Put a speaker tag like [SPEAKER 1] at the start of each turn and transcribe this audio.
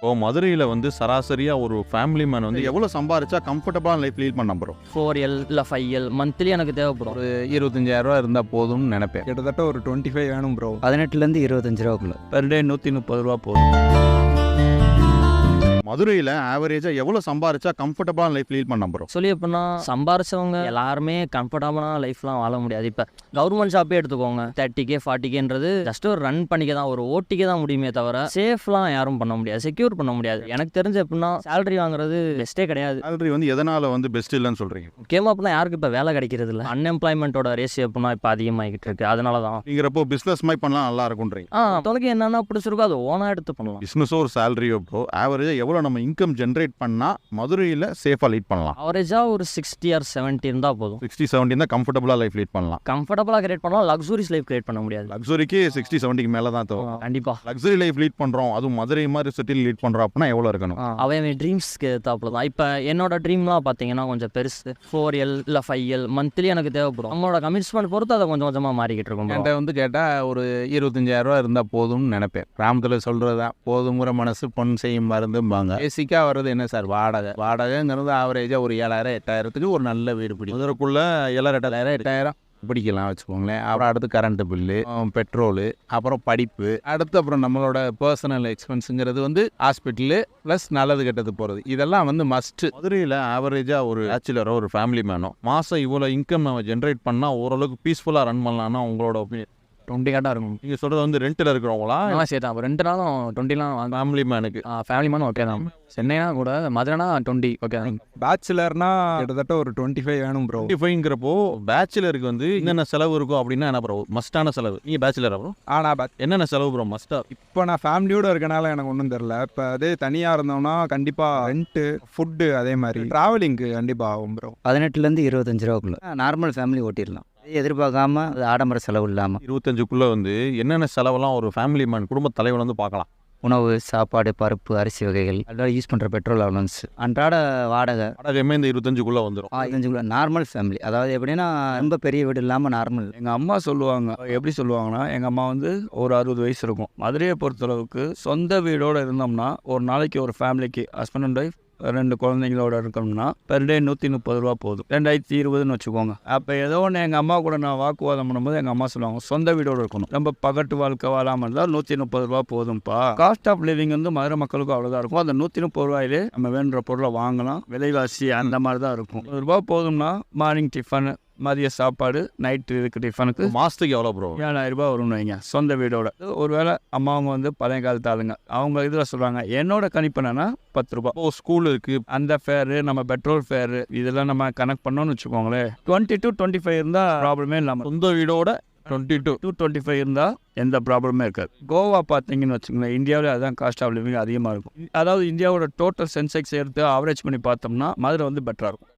[SPEAKER 1] இப்போ மதுரையில் வந்து சராசரியாக ஒரு ஃபேமிலி மேன் வந்து எவ்வளோ சம்பாரிச்சா கம்ஃபர்டபுளான லைஃப் லீட் பண்ண போகிறோம்?
[SPEAKER 2] 4L இல்லை 5L மந்த்லி எனக்கு தேவைப்படும்.
[SPEAKER 3] ஒரு 25,000 இருந்தால் போதும்னு நினைப்பேன்.
[SPEAKER 4] கிட்டத்தட்ட ஒரு 25 வேணும் ப்ரோ.
[SPEAKER 5] 18லேருந்து 25 ரூபாக்குள்ள.
[SPEAKER 3] பெர் டே 130 ரூபா போதும்.
[SPEAKER 1] மதுரையில் ஆவரேஜாக எவ்வளோ சம்பாரிச்சா கம்ஃபர்டபுளான லைஃப் லீட் பண்ண போகிறோம்?
[SPEAKER 2] சொல்லி எப்படின்னா சம்பாரிச்சவங்க எல்லாருமே கம்ஃபர்டபுளான லைஃப்லாம் வாழ முடியாது. இப்போ கவர்மெண்ட் ஜாப்பே எடுத்துக்கோங்க, 30K 40Kன்றது ஜஸ்ட் ஒரு ரன் பண்ணிக்க தான், ஒரு ஓட்டிக்கு தான் முடியுமே தவிர சேஃப்லாம் யாரும் பண்ண முடியாது, செக்யூர் பண்ண முடியாது. எனக்கு தெரிஞ்ச எப்படின்னா சேலரி வாங்குறது பெஸ்ட்டே கிடையாது.
[SPEAKER 1] சேலரி வந்து எதனால் வந்து பெஸ்ட் இல்லைன்னு சொல்கிறீங்க?
[SPEAKER 2] முக்கியமாக அப்படின்னா யாருக்கு இப்போ வேலை கிடைக்கிறது இல்லை. அன்எம்ப்ளாய்மெண்ட்டோட ரேஷியோ எப்படின்னா இப்போ அதிகமாகிட்டு இருக்கு. அதனால தான்
[SPEAKER 1] நீங்கிறப்போ பிஸ்னஸ் மாதிரி பண்ணலாம் நல்லா இருக்குன்றீங்க.
[SPEAKER 2] தொலைக்கு என்னென்னா பிடிச்சிருக்கோ அதை ஓனாக எடுத்து பண்ணலாம்.
[SPEAKER 1] பிஸ்னஸோ ஒரு சேலரியோ இப்போ ஆவரேஜாக எவ்வளோ நம்ம இன்கம் ஜென்ரேட் பண்ணால் மதுரையில் சேஃபாக லீட் பண்ணலாம்?
[SPEAKER 2] அவரேஜாக ஒரு 60 or 70 இருந்தால் போதும்.
[SPEAKER 1] 60-70 தான் கம்ஃபர்டபுளாக லைஃப் லீட் பண்ணலாம்.
[SPEAKER 2] கம்ஃபர்டபுளாக கிரியேட் பண்ணலாம், லக்ஸுரிஸ் லைஃப் கிரியேட் பண்ண முடியாது.
[SPEAKER 1] லக்ஸுரிக்கு 60-70 மேலே தான் தேவை.
[SPEAKER 2] கண்டிப்பாக
[SPEAKER 1] லக்ஸுரி லைஃப் லீட் பண்ணுறோம், அதுவும் மதுரை மாதிரி சிட்டியில் லீட் பண்ணுறோம் அப்படின்னா எவ்வளோ இருக்கணும்?
[SPEAKER 2] அவன் ட்ரீம்ஸ்க்கு ஏற்றாப்புல தான். இப்போ என்னோட ட்ரீம்லாம் பார்த்தீங்கன்னா கொஞ்சம் பெருசு. 4L இல்லை 5L மந்த்லி எனக்கு தேவைப்படும். நம்மளோட கமிட்மெண்ட் பொறுத்து அதை கொஞ்சம் கொஞ்சமாக மாறிக்கிட்டு இருக்கும்.
[SPEAKER 3] என்கிட்ட வந்து கேட்டால் ஒரு 25,000 இருந்தால் போதும்னு நினைப்பேன். கிராமத்தில் சொல்கிறதா போதுங்கிற மனசு பொன் செய்யும் மருந்தும்பாங்க. பேசிக்காக வர்றது என்ன சார்? வாடகைங்கிறது ஆவரேஜாக ஒரு 7,000-8,000க்கு ஒரு நல்ல வீடு பிடிக்கும்.
[SPEAKER 1] மதுரைக்குள்ள 7,000-8,000
[SPEAKER 3] பிடிக்கலாம் வச்சுக்கோங்களேன். அப்புறம் அடுத்து கரண்ட்டு பில்லு, பெட்ரோலு, அப்புறம் படிப்பு, அடுத்து அப்புறம் நம்மளோட பர்சனல் எக்ஸ்பென்ஸுங்கிறது வந்து ஹாஸ்பிட்டலு ப்ளஸ் நல்லது கெட்டது போகிறது, இதெல்லாம் வந்து மஸ்ட்டு.
[SPEAKER 1] மதுரையில் ஆவரேஜாக ஒரு பேச்சுலரோ ஒரு ஃபேமிலி மேனோ மாதம் இவ்வளோ இன்கம் நம்ம ஜென்ரேட் பண்ணால் ஓரளவுக்கு பீஸ்ஃபுல்லாக ரன் பண்ணலாம்னா உங்களோட ஒப்பீனியன்?
[SPEAKER 2] 20 காட்டாக இருக்கும்.
[SPEAKER 1] நீங்கள் சொல்கிறது வந்து ரெண்டில் இருக்கிறவங்களா?
[SPEAKER 2] சரி தான். 2 நாளும் 20லாம்
[SPEAKER 1] ஃபேமிலி மேனுக்கு
[SPEAKER 2] ஃபேமிலி மேனும் ஓகே தான். சென்னைனா கூட மதுரைனா 20 ஓகே தான்.
[SPEAKER 4] பேச்சுலர்னா கிட்டத்தட்ட ஒரு 25 வேணும் ப்ரோ.
[SPEAKER 1] 25ங்கிறப்போ பேச்சுலருக்கு வந்து என்னென்ன செலவு இருக்கும் அப்படின்னா என்ன ப்ரோ மஸ்டான செலவு? நீங்கள் பேச்சுலர் ப்ரோ? என்னென்ன செலவு ப்ரோ மஸ்ட்டாக?
[SPEAKER 4] இப்போ நான் ஃபேமிலியோடு இருக்கனால எனக்கு ஒன்றும் தெரில. இப்போ அதே தனியாக இருந்தோம்னா கண்டிப்பாக ரெண்ட்டு, ஃபுட்டு, அதே மாதிரி ட்ராவலிங்க்கு கண்டிப்பாக ஆகும் ப்ரோ.
[SPEAKER 5] 18லேருந்து 25 ரூபாக்குள்ள நார்மல் ஃபேமிலி ஓட்டிடலாம். எதிர்பார்க்காம அது ஆடம்பர செலவு இல்லாமல்
[SPEAKER 1] 25க்குள்ளே வந்து என்னென்ன செலவெல்லாம் ஒரு ஃபேமிலி மேன் குடும்ப தலைவன் வந்து பார்க்கலாம்?
[SPEAKER 5] உணவு, சாப்பாடு, பருப்பு, அரிசி வகைகள், அதோட யூஸ் பண்ணுற பெட்ரோல் அலவன்ஸ், அன்றாட வாடகை
[SPEAKER 1] வாடகையுமே இந்த 25க்குள்ளே வந்துடும்.
[SPEAKER 5] 25 நார்மல் ஃபேமிலி. அதாவது எப்படின்னா ரொம்ப பெரிய வீடு இல்லாமல் நார்மல்.
[SPEAKER 6] எங்கள் அம்மா சொல்லுவாங்க, எப்படி சொல்லுவாங்கன்னா, எங்கள் அம்மா வந்து ஒரு 60 வயசு இருக்கும். மதுரையை பொறுத்தளவுக்கு சொந்த வீடோடு இருந்தோம்னா ஒரு நாளைக்கு ஒரு ஃபேமிலிக்கு ஹஸ்பண்ட் அண்ட் ஒய்ஃப் 2 குழந்தைங்களோட இருக்கணும்னா பெர் டே 130 ரூபா போதும். 2020ன்னு வச்சுக்கோங்க. அப்போ ஏதோ ஒன்று எங்கள் அம்மா கூட நான் வாக்குவாதம் பண்ணும்போது எங்கள் அம்மா சொல்லுவாங்க, சொந்த வீடோடு இருக்கணும், நம்ம பகட்டு வாழ்க்கை வாழாமல் இருந்தால் 130 ரூபா போதும்ப்பா. காஸ்ட் ஆஃப் லிவிங் வந்து மதுரை மக்களுக்கும் அவ்வளோதான் இருக்கும். அந்த 130 ரூபாயிலே நம்ம வேணுன்ற பொருளை வாங்கலாம். விலைவாசி அந்த மாதிரி தான் இருக்கும். 100 ரூபா போதும்னா மார்னிங் டிஃபன், மதிய சாப்பாடு, நைட்டு இதுக்கு டிஃபனுக்கு
[SPEAKER 1] மாதத்துக்கு எவ்வளோ ப்ரோ?
[SPEAKER 6] 7,000 ரூபா வரும்னு வைங்க சொந்த வீடோட. ஒருவேளை அம்மாவங்க வந்து பழைய காலத்து ஆளுங்க, அவங்க இதில் சொல்கிறாங்க, என்னோட கணிப்பு என்னன்னா 10 ரூபா.
[SPEAKER 1] இப்போ ஸ்கூல் இருக்குது,
[SPEAKER 6] அந்த ஃபேரு, நம்ம பெட்ரோல் ஃபேரு, இதெல்லாம் நம்ம கனெக்ட் பண்ணோன்னு வச்சுக்கோங்களேன். 20 to 25 இருந்தால் ப்ராப்ளமே இல்லாமல்,
[SPEAKER 1] சொந்த வீடோட 22
[SPEAKER 6] to 25 இருந்தால் எந்த ப்ராப்ளமே இருக்காது. கோவா பார்த்தீங்கன்னு வச்சுக்கோங்களேன், இந்தியாவில் அதுதான் காஸ்ட் ஆஃப் லிவிங் அதிகமாக இருக்கும். அதாவது இந்தியாவோட டோட்டல் சென்செக்ஸ் எடுத்து ஆவரேஜ் பண்ணி பார்த்தோம்னா மதுரை வந்து பெட்டராக இருக்கும்.